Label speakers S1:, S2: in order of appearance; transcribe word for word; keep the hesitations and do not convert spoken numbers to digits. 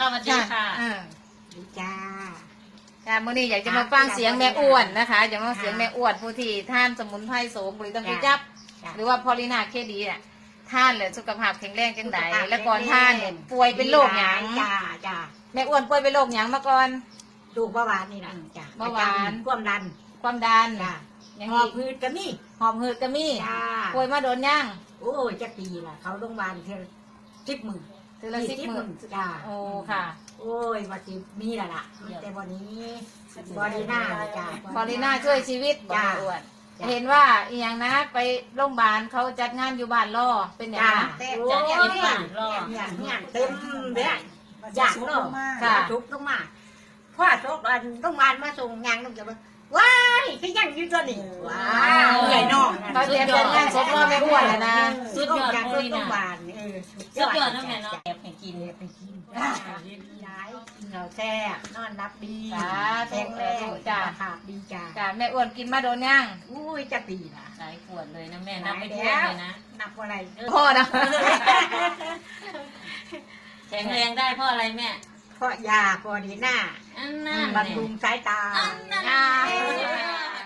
S1: สวัสดีค่ะ
S2: อ่า
S3: ดีจ้า
S2: ค่ะมื้อนี้อยากจะมาฟังเสียงแม่อ้วนนะคะอยากมาฟังเสียงแม่อ้วนผู้ที่ท่านสมุนไพรโสมผลิตภัณฑ์จับหรือว่าพอลินาเคดีน่ะท่านเลยสุขภาพแข็งแรงจังไดแล้วก่อนท่านเนี่ยป่วยเป็นโรคหยัง
S3: จ้าจ้า
S2: แม่อ้วนป่วยเป็นโรคหยังมาก่อน
S3: ดูเบาหวานนี่นะจ้า
S2: เบาหวาน
S3: ความดัน
S2: ความดัน
S3: จ้า
S2: ยัง
S3: หอ
S2: มี
S3: บพืชก็มี
S2: หอบหืดก็มี
S3: จ้า
S2: ป่วยมาโดนยัง
S3: โอ้ยจะปีละเขาโรงพยาบาลเท่าสิบหมื่น
S2: ถือละสิบหมื่น
S3: จ้า
S2: โอ้ค่ะ
S3: โอ้ยว่าสิมีและล่ะแต่วันนี้บอดีหน้าจ้า
S2: พอลินาช่วยชีวิตบอก
S3: จ้า
S2: แม่อ้วน เห็นว่าอีหยังนะไปโรงพยาบาลเขาจัดงานอยู่บ้านล่อเป็นอย่าง
S3: จ้า
S2: นั้น
S3: โอ้ยเนี่ยเนี่ยเต็มเลยอยากเนาะ
S2: ค่ะ
S3: ทุกต้องมาพ่อทุกอันต้องมามาส่งงานต้องจะมาว้ายขยันอยู่ตัวนี้ว้าวใหญ่นอก
S2: เขาเตรียมจัดงานศพล่อแม่อ้วนแล้วนะ
S1: สุดยอด
S3: จาก
S1: โม
S3: รถ
S1: ลี
S3: ต้
S1: นา
S3: องบานเออ
S1: สุดยอดนะแม่เนาะแอบให้กิน
S3: ไปกินจ้าย้ายกินเราแซ่บนอนรับดี
S2: สาธุ
S3: แข็งแรง
S2: จ้า
S3: ค่ะดีจ้า
S2: จ้าแม่อ้วนกินมาโดนยัง
S3: อุ้ยจะปีละ
S1: หลายขวดเลยนะแม่นับไปทั่วเลยนะ
S3: นับอะไรเออ
S2: พ่อนะ
S1: แข็งแรงได้เพราะอะไรแม่
S3: เพราะยาพอดีหน้า
S1: อันนั้น
S3: บำรุงสายตา
S1: อันนั้น
S2: อ่า